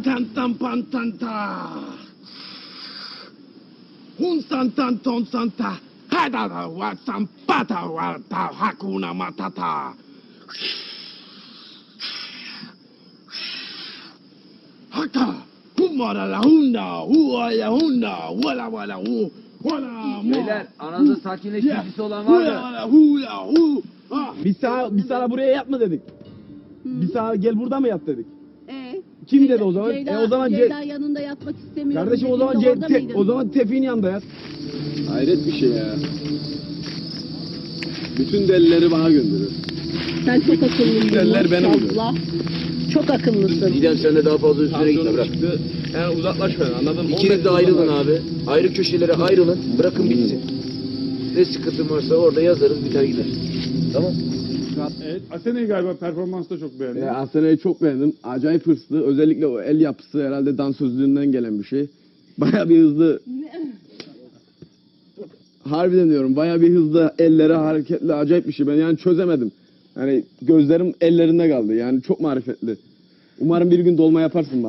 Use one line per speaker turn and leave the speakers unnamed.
Tantan pantanta. Hun santan ton santa. Hadada wa sampata wa ta hakuna matata. Haka. Humara la hunda. Hua ya hunda. Wala wala hu. Wala mo.
Beyler aranızda sakinleştiricisi olan var mı?
Hula hula hu. Ha.
Biz sana buraya yatma dedik. Biz sana gel burada mı yat dedik. Kim
Ceyda-
dedi o zaman?
Ceyda,
O zaman
Ceyda yanında yatmak istemiyorum.
kardeşim o zaman
dediğinde orada mıydın?
o zaman Tevfik'in yanında yat.
Hayret bir şey ya. Bütün delileri bana gönderiyor.
Sen çok akıllısın.
Derler benim oluyor.
maşallah. Çok akıllısın.
Didem sen de daha fazla üstüne gitme bırak.
Yani uzaklaş benden anladın mı?
İkiniz de ayrılın abi. Ayrı köşelere ayrılın. Bırakın bitsin. Ne sıkıntın varsa orada yazarız biter gider. Tamam.
Evet, Asena'yı galiba performansta çok beğendim.
Asena'yı çok beğendim. Acayip hırslı. Özellikle o el yapısı herhalde dansözlüğünden gelen bir şey. Baya bir hızlı. Harbiden diyorum. Baya bir hızlı, elleri hareketli, acayip bir şey. Ben yani çözemedim. Yani gözlerim ellerinde kaldı. Yani çok marifetli. Umarım bir gün dolma yaparsın bana.